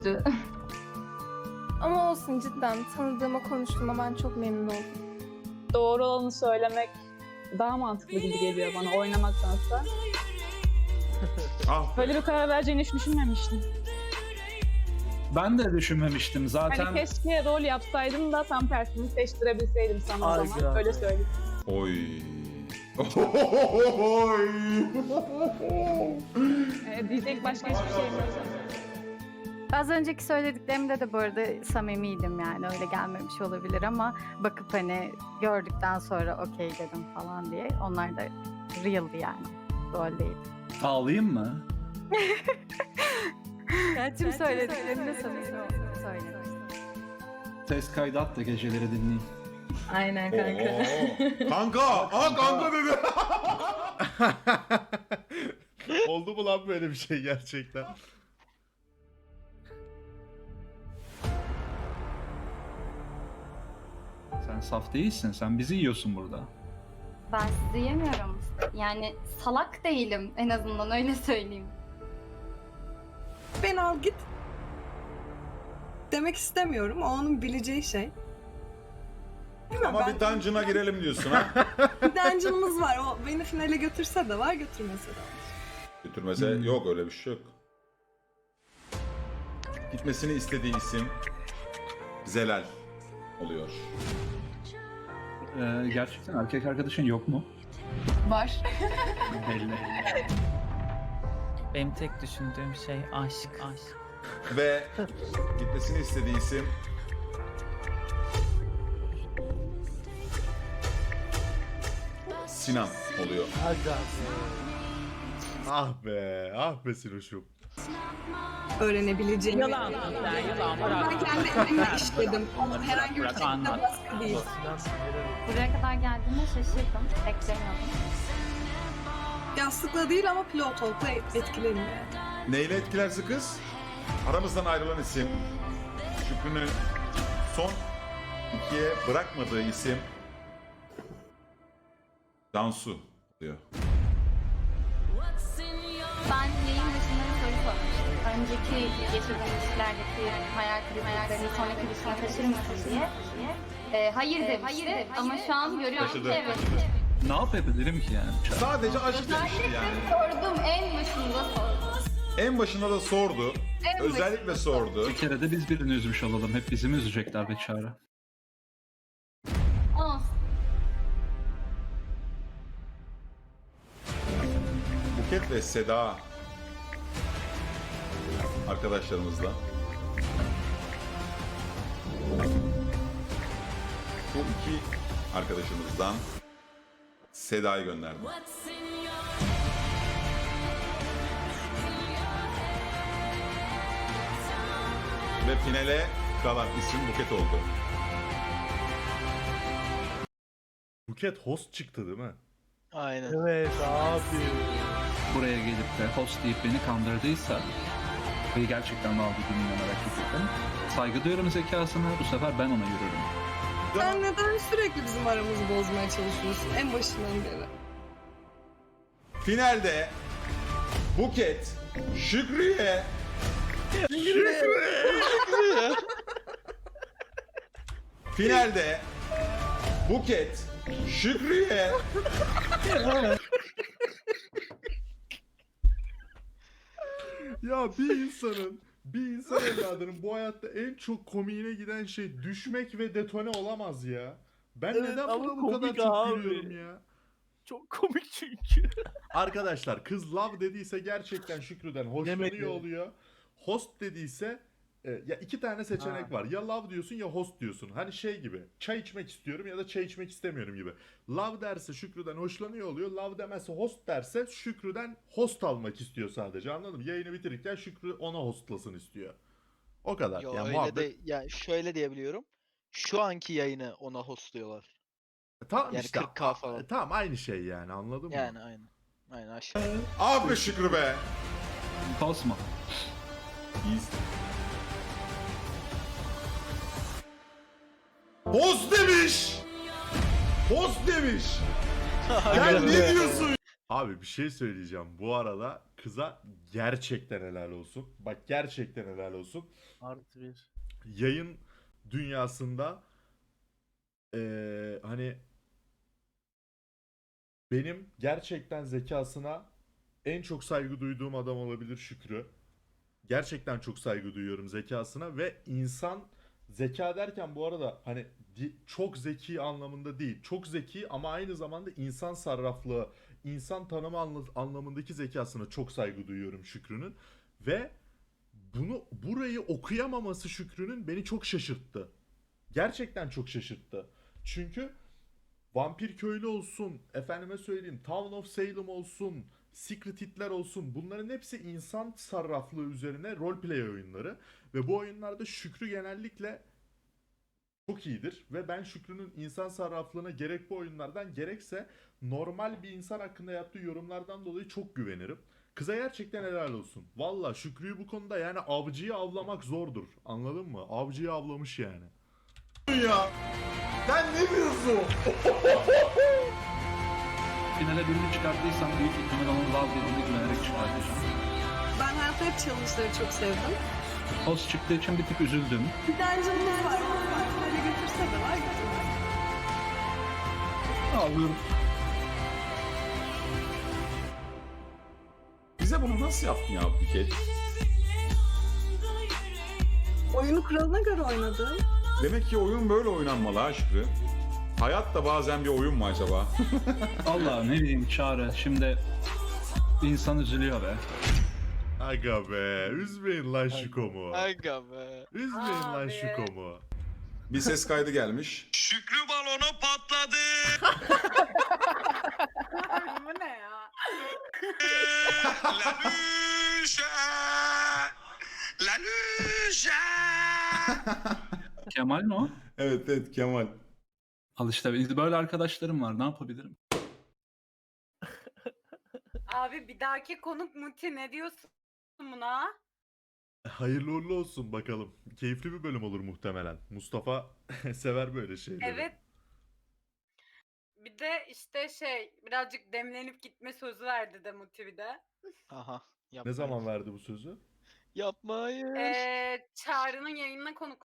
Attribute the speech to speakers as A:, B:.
A: Ama olsun, cidden tanıdığıma konuştuğuma ben çok memnun oldum.
B: Doğru olanı söylemek daha mantıklı gibi geliyor bana oynamaktansa.
C: Ah.
B: Böyle bir karar vereceğini hiç düşünmemiştim.
D: Ben de düşünmemiştim zaten.
B: Hani keşke rol yapsaydım da tam tersini seçtirebilseydim sana o
E: Ay
B: zaman.
E: ya.
B: Öyle söyleyeyim.
C: Oy.
B: Diyecek başka hiçbir şeyim yok.
F: Az önceki söylediklerimde de bu arada samimiydim, yani öyle gelmemiş olabilir ama bakıp hani gördükten sonra okey dedim falan diye. Onlar da real'di yani. Rol değil.
D: Ağlayayım mı?
F: Yani tüm söylediklerimde samimi söyledim.
D: Ses kaydı at da geceleri dinleyeyim.
A: Aynen kanka.
C: Kanka! Aa kanka dedi.
G: Oldu mu lan böyle bir şey gerçekten?
D: Sen saf değilsin. Sen bizi yiyorsun burada.
H: Ben sizi yemiyorum. Yani salak değilim, en azından öyle söyleyeyim.
I: Ben al git demek istemiyorum. O onun bileceği şey. Bilmem,
C: Ama bir dungeon'a girelim diyorsun ha.
I: bir dungeon'ımız var. O beni finale götürse de var, götürmese de var.
C: Götürmese yok, öyle bir şey yok. Gitmesini istediği isim Zelal oluyor.
D: Gerçekten erkek arkadaşın yok mu?
A: Var.
D: Belli.
E: Benim tek düşündüğüm şey aşk.
C: Ve gitmesini istediği isim Sinan oluyor.
E: Aga.
G: Ah be Sinoş'um.
I: Öğrenebileceğim.
E: Yalan. Yani yalan.
I: Ben kendi elimle işledim. Herhangi bir şekilde baskı değil.
H: Buraya kadar geldiğime şaşırdım, beklemiyordum.
I: Yastıkla değil ama pillow talk'la etkilerim yani.
C: Neyle etkilerse kız? Aramızdan ayrılan isim. Şükrü'nün son ikiye bırakmadığı isim Cansu oluyor.
H: Ben yayın başında bir soru sormuştum. Önceki yaşadığım ilişkilerdeki hayal kırıklıklarını sonraki ilişkine taşır mısın diye. Hayır demişti ama şu an görüyorum
C: Taşıdı.
H: ki evet.
D: Ne yapabilirim ki yani?
C: Sadece aşk demişti yani.
H: Sordum, en başında sordum.
C: En başında da sordu.
H: En
C: Özellikle sordu.
D: Bir kere de biz birini üzmüş olalım. Hep bizi mi üzecekler be Çağrı?
H: Olsun.
C: Buket ve Seda arkadaşlarımızla bu iki arkadaşımızdan Seda'yı gönderdim. Ve finale kalan isim Buket oldu.
G: Buket host çıktı değil mi?
E: Aynen.
G: Evet abi.
D: Buraya gelip de host deyip beni kandırdıysa ve gerçekten ne olduğunu merak ettim. Saygı duyuyorum zekasına. Bu sefer ben ona yürürüm.
I: Sen neden sürekli bizim aramızı bozmaya çalışıyorsun en başından beri?
C: Finalde Buket Şükrü'ye finalde Buket Şükrü'ye
G: Ya bir insan evladının bu hayatta en çok komiğine giden şey düşmek ve detone olamaz ya. Ben
E: Evet,
G: neden
E: ama
G: buna bu kadar
E: komik
G: çok
E: abi.
G: gülüyorum ya?
E: Çok komik çünkü.
G: Arkadaşlar kız love dediyse gerçekten Şükrü'den hoşlanıyor
E: Demedi.
G: oluyor. Host dediyse ya iki tane seçenek
E: Ha.
G: var. Ya love diyorsun ya host diyorsun. Hani şey gibi. Çay içmek istiyorum ya da çay içmek istemiyorum gibi. Love derse Şükrü'den hoşlanıyor oluyor. Love demezse host derse Şükrü'den host almak istiyor sadece. Anladın mı? Yayını bitirirken Şükrü ona hostlasın istiyor. O kadar.
J: Yo,
G: Yani
J: öyle
G: muhabbet.
J: de ya şöyle diyebiliyorum. Şu anki yayını ona hostluyorlar.
G: Tamam
J: Yani
G: işte.
J: 40K falan.
G: Tamam aynı şey yani anladın mı?
J: Yani aynen. Aynen aşağı.
C: ah be Şükrü be.
D: Kosmo.
C: Host demiş. Host demiş. Sen ne diyorsun?
G: Abi bir şey söyleyeceğim. Bu arada kıza gerçekten helal olsun. Bak gerçekten helal olsun.
E: Artı bir.
G: Yayın dünyasında hani benim gerçekten zekasına en çok saygı duyduğum adam olabilir Şükrü. Gerçekten çok saygı duyuyorum zekasına ve insan zeka derken bu arada hani çok zeki anlamında değil. Çok zeki ama aynı zamanda insan sarraflığı, insan tanımı anlamındaki zekasına çok saygı duyuyorum Şükrü'nün ve burayı okuyamaması Şükrü'nün beni çok şaşırttı. Gerçekten çok şaşırttı. Çünkü Vampir Köylü olsun, efendime söyleyeyim Town of Salem olsun, Secret Hitler olsun, bunların hepsi insan sarraflığı üzerine roleplay oyunları ve bu oyunlarda Şükrü genellikle çok iyidir ve ben Şükrü'nün insan sarraflığına gerek bu oyunlardan gerekse normal bir insan hakkında yaptığı yorumlardan dolayı çok güvenirim. Kıza gerçekten helal olsun. Valla Şükrü'yü bu konuda yani avcıyı avlamak zordur. Anladın mı? Avcıyı avlamış yani.
C: Ya sen ne diyorsun?
D: Finale birini çıkarttıysam büyük ihtimal onun Love dediğini güvenerek çıkartacağım.
I: Ben hayatta hep challenge'ları çok sevdim.
D: Host çıktığı için bir tık üzüldüm.
I: Bir dungeon'ımız var. Böyle götürse de var götürmez.
D: Ağlıyorum.
C: Bize bunu nasıl yaptın ya Buket?
I: Oyunu kuralına göre oynadım.
C: Demek ki oyun böyle oynanmalı ha Şükrü. Hayat da bazen bir oyun mu acaba?
D: Allah ne bileyim Çağrı. Şimdi insan üzülüyor be.
G: Aga be, üzmeyin lan Şuko'mu.
J: Aga be.
G: Üzmeyin lan Şuko'mu.
C: Bir ses kaydı gelmiş.
J: Şükrü balonu patladı.
F: Bu ne ya?
J: La Lucia. La Lucia.
D: Kemal mi o?
C: Evet evet Kemal.
D: Al işte böyle arkadaşlarım var. Ne yapabilirim?
F: Abi bir dahaki konuk Muti, ne diyorsun buna?
G: Hayırlı uğurlu olsun bakalım. Keyifli bir bölüm olur muhtemelen. Mustafa sever böyle şeyleri.
F: Evet. Bir de işte birazcık demlenip gitme sözü verdi de Muti bir de.
J: Aha.
G: Ne
J: Yapmayın.
G: zaman verdi bu sözü?
J: Yapmayın.
F: Çağrı'nın yayınına konuk